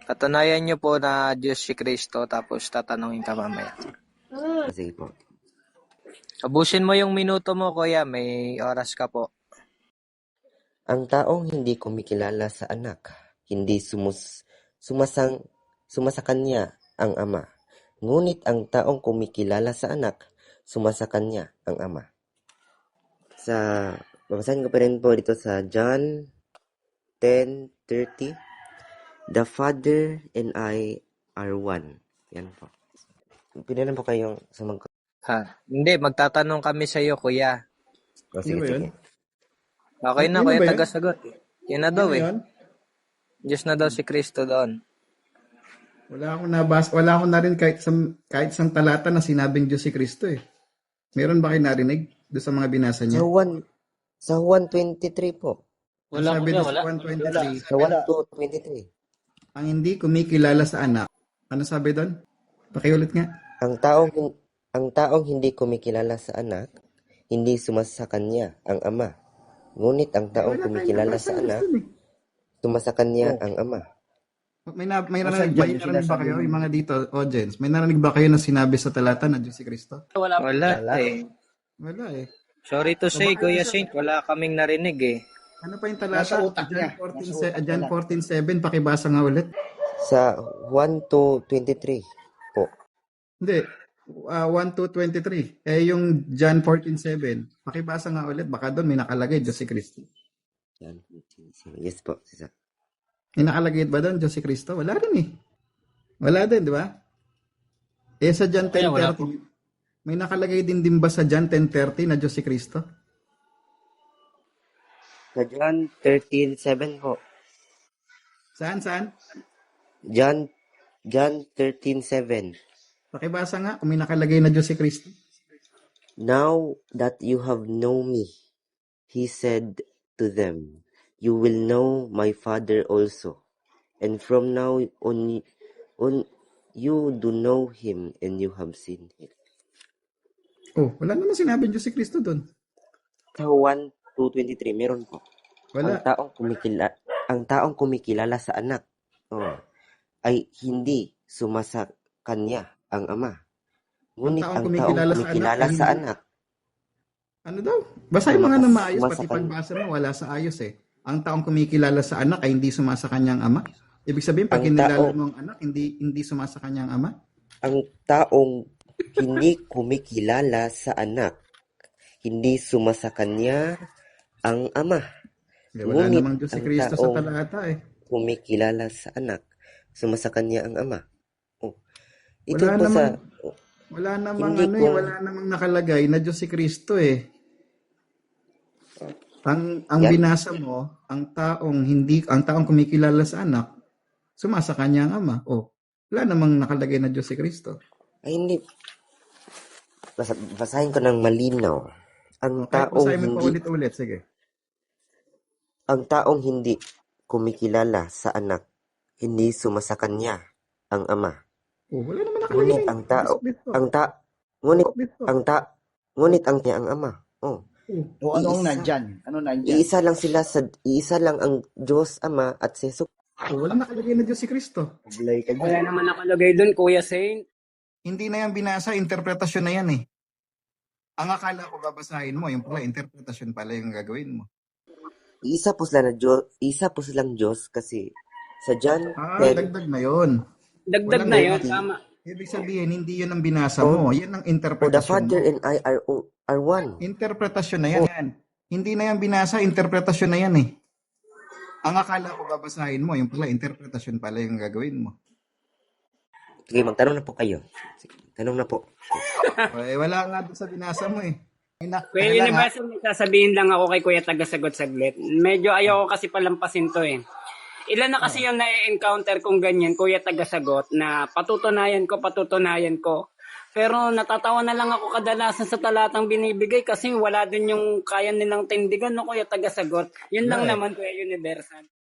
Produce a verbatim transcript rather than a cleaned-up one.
Patunayan nyo po na Diyos si Kristo tapos tatanungin ka mamaya. Sige po. Abusin mo yung minuto mo, kuya. May oras ka po. Ang taong hindi kumikilala sa anak, hindi sumus sumasang sumasakanya ang ama. Ngunit ang taong kumikilala sa anak, sumasakanya ang ama. Sa babasahin ko pa rin po dito sa John ten thirty. The Father and I are one. Yan po. Pinalan po kayong sa mag... Ha? Hindi, magtatanong kami sa iyo, kuya. Oh, sige, Ano ba yun? sige. Okay na, Yun kuya, ba yun? taga-sagot. Eh. Yan na daw Ano eh. yun? Diyos na daw si Kristo doon. Wala akong nabas, wala akong narin kahit isang, kahit isang talata na sinabing Diyos si Kristo eh. Meron ba kayo narinig doon sa mga binasa Sa niya? Juan, sa Juan twenty-three po. Ang Wala sabi kuya, doon sa wala. one twenty-three, Sa one two twenty-three. ang hindi kumikilala sa anak. Ano sabi doon? Pakiulit nga. Ang taong hin- ang taong hindi kumikilala sa anak, hindi sumasa sa kanya ang ama. Ngunit ang taong Wala tayong kumikilala nabasa sa na anak, doon eh. sumasa kanya Oh. ang ama. May, na, may, O, narinig, saan may dyan? narinig ba Sinasabi kayo, mo. yung mga dito, audience? May narinig ba kayo na sinabi sa talata na Diyos si Kristo? Wala. Wala, eh. Wala eh. Sorry to say, Kuya Saint, wala kaming narinig eh. Ano pa yung talata? Nasa utak John niya. fourteen, Nasa se- utak John niya. fourteen seven, pakibasa nga ulit. Sa one two twenty-three po. Hindi. Uh, one two twenty-three. Eh, yung John fourteen seven. Pakibasa nga ulit. Baka doon may nakalagay, Diyos si Kristo. Yan. Yes po. Sisa. May nakalagay ba doon, Diyos si Kristo? Wala rin eh. Wala din, di ba? Eh, sa John ten Kaya wala thirty, may nakalagay din din ba sa John ten thirty na Diyos si Kristo? Sa John thirteen seven po. Saan, saan? John John thirteen seven. Pakibasa nga kung may nakalagay na Diyos si Kristo. Now that you have known me, he said to them, you will know my Father also. And from now on, on you do know him and you have seen him. Oh, wala naman sinabing Diyos si Kristo doon. Sa one two twenty-three, meron po. Ang Wala. taong kumikilala, ang taong kumikilala sa anak, oh, ay hindi sumasa kanya ang ama. Ngunit taong ang taong kumikilala sa kumikilala anak, sa hindi- anak, Ano daw? Basahin mo nga ng maayos, pati Sumasakay. pagbasa mo, wala sa ayos eh. Ang taong kumikilala sa anak ay hindi sumasa kanyang ama. Ibig sabihin, pag Ang kinilala tao- mo ang anak, hindi hindi sumasa kanyang ama. ang taong hindi kumikilala sa anak, hindi sumasa kanya ang ama. Eh, wala Ngunit namang Diyos si ang Kristo sa taong- talata eh. Kumikilala sa anak, sumasa kanya ang ama. Oh. Ito Wala po sa namang- Wala namang Hindi ano eh, ko- wala namang nakalagay na Diyos si Kristo eh. Ang ang Yan. binasa mo, ang taong hindi ang taong kumikilala sa anak, sumasa kanya ang ama. Oh, wala namang nakalagay na Diyos si Kristo. ay hindi. Basa, basahin ko ng malinaw. Ang Kahit taong basahin mo pa hindi ulit-ulit, sige. ang taong hindi kumikilala sa anak, hindi sumasa kanya ang ama. Oh, wala naman nakalagay. Ngunit ang tao, Dito. ang ta, ngunit Dito. ang ta, ngunit ang niya ang ama. Oh. Oh. O anong Iisa. nandyan? Ano nandyan? Iisa lang sila sa iisa lang ang Diyos Ama at si Jesus. Oh, walang nakalagay na Diyos si Kristo. Paglay ka Wala dyan. naman nakalagay doon, Kuya Saint. Hindi na yan binasa, interpretasyon na yan eh. Ang akala ko babasahin mo, yung pala interpretasyon pala yung gagawin mo. Isa po sila na Diyos, isa po silang Diyos kasi sa John Ah, ten, dagdag na yon. Dagdag Walang na yun, hindi. tama. Ibig sabihin, hindi yun ang binasa mo. Yan ang for the interpretasyon Father mo. and I are o- are one. Interpretasyon na yan. yan. Hindi na yan binasa, interpretasyon na yan eh. Ang akala ko babasahin mo, yung pala interpretasyon pala yung gagawin mo. Sige, magtanong na po kayo. Sige, tanong na po. Eh, wala nga doon sa binasa mo eh. Ina, Kuya ano lang, ha? Universal, may sasabihin lang ako kay Kuya Tagasagot saglit. Medyo ayoko kasi palampasin to eh. Ilan na kasi yung na-encounter kong ganyan, Kuya Tagasagot, na patutunayan ko, patutunayan ko. Pero natatawa na lang ako kadalasan sa talatang binibigay kasi wala din yung kaya nilang tindigan, no, Kuya Tagasagot. Yun lang Wala eh. naman, Kuya Universal.